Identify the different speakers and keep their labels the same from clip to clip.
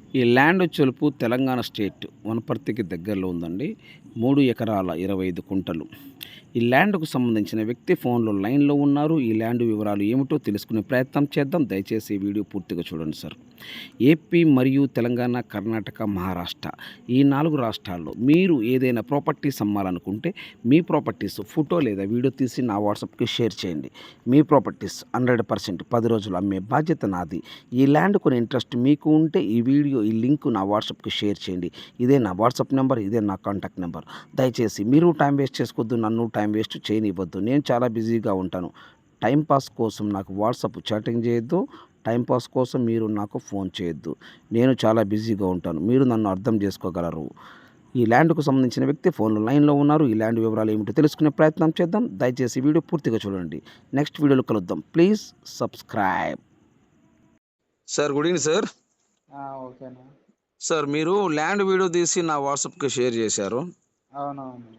Speaker 1: ఈ ల్యాండ్ వచ్చేలుపు తెలంగాణ స్టేట్ వనపర్తికి దగ్గరలో ఉందండి. 3 ఎకరాల 25 కుంటలు. ఈ ల్యాండ్‌కు సంబంధించిన వ్యక్తి ఫోన్‌లో లైన్‌లో ఉన్నారు. ఈ ల్యాండ్ వివరాలు ఏమిటో తెలుసుకునే ప్రయత్నం చేద్దాం. దయచేసి ఈ వీడియో పూర్తిగా చూడండి సార్. ఏపీ మరియు తెలంగాణ, కర్ణాటక, మహారాష్ట్ర ఈ 4 రాష్ట్రాల్లో మీరు ఏదైనా ప్రాపర్టీస్ అమ్మాలనుకుంటే మీ ప్రాపర్టీస్ ఫోటో లేదా వీడియో తీసి నా వాట్సాప్‌కి షేర్ చేయండి. మీ ప్రాపర్టీస్ 100% 10 రోజులు అమ్మే బాధ్యత నాది. ఈ ల్యాండ్ కొనే ఇంట్రెస్ట్ మీకు ఉంటే ఈ లింక్ నా వాట్సాప్‌కి షేర్ చేయండి. ఇదే నా వాట్సాప్ నెంబర్, ఇదే నా కాంటాక్ట్ నెంబర్. దయచేసి మీరు టైం వేస్ట్ చేసుకోవద్దు, నన్ను టైం వేస్ట్ చేయనివ్వద్దు. నేను చాలా బిజీగా ఉంటాను. టైం పాస్ కోసం నాకు వాట్సాప్ చాటింగ్ చేయొద్దు. టైం పాస్ కోసం మీరు నాకు ఫోన్ చేయొద్దు. నేను చాలా బిజీగా ఉంటాను. మీరు నన్ను అర్థం చేసుకోగలరు. ఈ ల్యాండ్‌కు సంబంధించిన వ్యక్తి ఫోన్‌లో లైన్‌లో ఉన్నారు. ఈ ల్యాండ్ వివరాలు ఏమిటో తెలుసుకునే ప్రయత్నం చేద్దాం. దయచేసి వీడియో పూర్తిగా చూడండి. నెక్స్ట్ వీడియోలో కలుద్దాం. Please subscribe.
Speaker 2: Sir good evening sir.
Speaker 3: ఓకేనా.
Speaker 2: సార్ మీరు ల్యాండ్ వీడియో తీసి నా వాట్సాప్కి షేర్ చేశారు.
Speaker 3: అవునవును.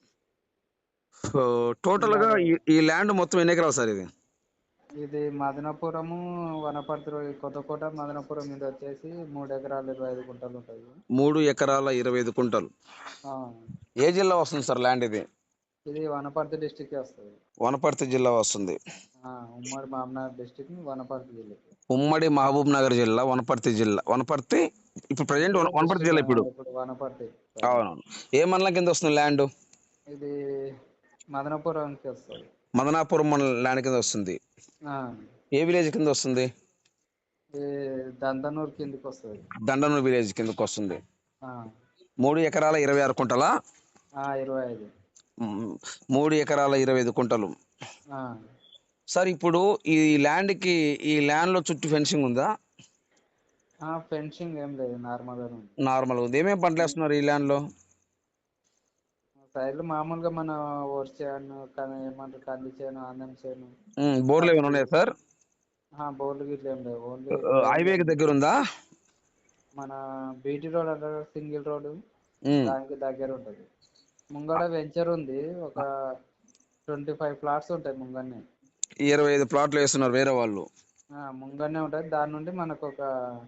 Speaker 2: టోటల్గా ఈ ల్యాండ్ మొత్తం ఎన్ని ఎకరాలు సార్ ఇది?
Speaker 3: ఇది మదనపురము, వనపర్తి, కొత్తకోట, మదనపురం మీద వచ్చేసి 3 ఎకరాలు 25 గుంటలు ఉంటుంది.
Speaker 2: 3 ఎకరాల 25 కుంటలు. ఏ జిల్లా వస్తుంది సార్ ల్యాండ్ ఇది?
Speaker 3: ఇది వనపర్తి డిస్టిక్ వస్తుంది.
Speaker 2: వనపర్తి జిల్లా వస్తుంది.
Speaker 3: ఉమ్మడి మహబూబ్నగర్ డిస్టిక్, వనపర్తి జిల్లా.
Speaker 2: ఉమ్మడి మహబూబ్ నగర్ జిల్లా, వనపర్తి జిల్లా. వనపర్తి ఇప్పుడు ప్రజెంట్ వనపర్తి జిల్లా ఇప్పుడు.
Speaker 3: వనపర్తి.
Speaker 2: అవునవును. ఏ మండలం కింద వస్తుంది ల్యాండ్?
Speaker 3: ఇది మదనపురంకి వస్తుంది.
Speaker 2: మదనాపురం మండలం ల్యాండ్ కింద వస్తుంది. ఏ విలేజ్ కింద వస్తుంది?
Speaker 3: దంతనూరు కిందకి వస్తుంది.
Speaker 2: దండనూరు విలేజ్ కిందకి వస్తుంది. 3 ఎకరాల 26 కుంటలా?
Speaker 3: 25.
Speaker 2: 3 ఎకరాల 25 కుంటలు. సార్ ఇప్పుడు ఈ ల్యాండ్లో చుట్టూ ఫెన్సింగ్ ఉందా?
Speaker 3: ఫెన్సింగ్ ఏం లేదు,
Speaker 2: నార్మల్ ఉంది. ఏమేమి పంటలు వేస్తున్నారు ఈ ల్యాండ్లో?
Speaker 3: సైడ్లు మామూలుగా మన వరి చేను, ఏమంటారు, కంది చేను, ఆందం చేను.
Speaker 2: బోర్లు ఏమైనా ఉన్నాయా సార్?
Speaker 3: బోర్లు గిట్ల ఏం లేవు. ఓన్లీ
Speaker 2: హైవేకి దగ్గర ఉందా?
Speaker 3: మన బీటీ రోడ్ అంటారు, సింగిల్ రోడ్, దానికి దగ్గర ఉంటది. ముంగడ వెంచర్ ఉంది, ఒక 25 ప్లాట్స్ ఉంటాయి ముంగన్నే.
Speaker 2: 25 ప్లాట్లు వేస్తున్నారు వేరే వాళ్ళు.
Speaker 3: ముంగన్నే ఉంటది. దాని నుండి మనకు ఒక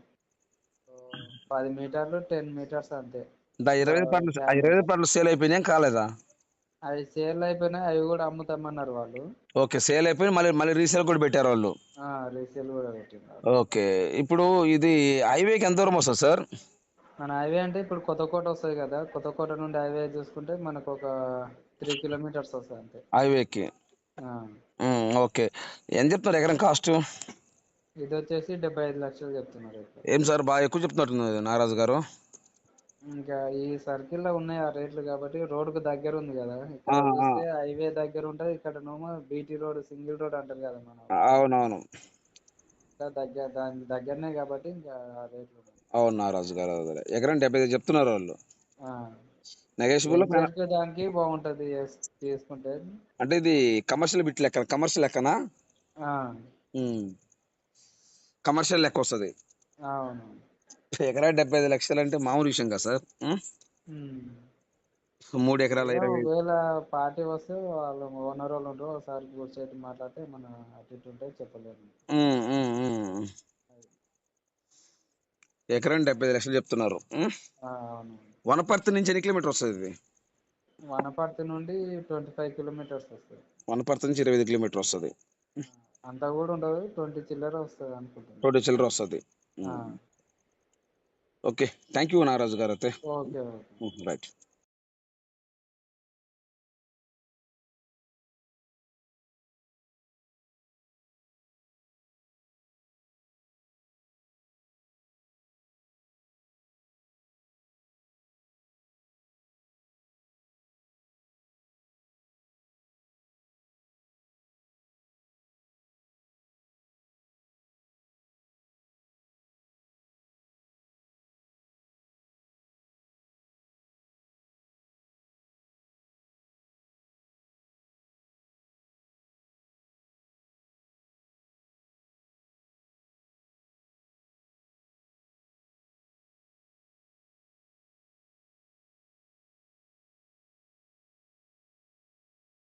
Speaker 3: 10 మీటర్లు 10 మీటర్స్ అంతే.
Speaker 2: 25 ప్లాట్లు సేల్ అయిపోయినాయి కాలేదా?
Speaker 3: అవి సేల్ అయిపోయినాయి, అవి కూడా అమ్ముతామన్నారు వాళ్ళు.
Speaker 2: ఓకే, సేల్ అయిపోయి మళ్ళీ రీసేల్ కూడా పెట్టారు వాళ్ళు.
Speaker 3: రీసేల్ కూడా పెట్టినారు.
Speaker 2: ఓకే, ఇప్పుడు ఇది హైవేకి ఎంత దూరం వస్తుంది సార్?
Speaker 3: మన హైవే అంటే ఇప్పుడు కొత్తకోట వస్తుంది కదా, కొత్తకోట నుండి హైవే చూసుకుంటే మనకు ఒక 3 కిలోమీటర్స్ వస్తుంది అంతే
Speaker 2: హైవేకి. ఓకే, ఎంత చెప్తున్నారు ఎకరం కాస్ట్?
Speaker 3: ఇది వచ్చేసి 75 లక్షలు చెప్తున్నారు.
Speaker 2: ఏం సార్ బాగా ఎక్కువ చెప్తున్నట్టున్నారు నాగరాజు గారు.
Speaker 3: ఇంకా ఈ సర్కిల్ లో ఉన్నాయి ఆ రేట్లు, కాబట్టి రోడ్ కు దగ్గర ఉంది కదా. ఇక్కడ చూస్తే హైవే దగ్గర ఉంటది, ఇక్కడ నోమో బీటీ రోడ్, సింగిల్ రోడ్ అంటారు కదా మన.
Speaker 2: అవునవును,
Speaker 3: దాని దగ్గరనే కాబట్టి ఇంకా ఆ రేట్లు.
Speaker 2: అవును నాగరాజు గారు, ఎకరం 75 చెప్తున్నారు వాళ్ళు. నెగోషియబుల్
Speaker 3: దానికి బాగుంటది తీసుకుంటే.
Speaker 2: అంటే ఇది కమర్షియల్ లెక్కనా? కమర్షియల్ లెక్క వస్తుంది.
Speaker 3: అవును.
Speaker 2: ఎకరా 75 లక్షలు అంటే మామూలు విషయం కదా సార్. 3 ఎకరాల 20.
Speaker 3: ఒకవేళ పార్టీ వస్తే వాళ్ళు ఓనర్ వాళ్ళు ఉంటారు, ఒకసారి కూర్చొని మాట్లాడితే మన అటు ఇటు ఉంటే చెప్పలేము.
Speaker 2: ఎకరం 75 లక్షలు చెప్తున్నారు. వనపర్తి నుంచి ఎన్ని కిలోమీటర్ వస్తుంది ఇది?
Speaker 3: వనపర్తి నుండి 25 కిలోమీటర్స్ వస్తుంది.
Speaker 2: వనపర్తి నుంచి 25 కిలోమీటర్ వస్తుంది.
Speaker 3: అంతా కూడా ఉండదు, 20 చిల్లర వస్తుంది అనుకుంటున్నాను.
Speaker 2: 20 చిల్లర వస్తుంది. ఓకే, థ్యాంక్ యూ నాగరాజు గారు. అయితే
Speaker 3: ఓకే,
Speaker 2: రైట్.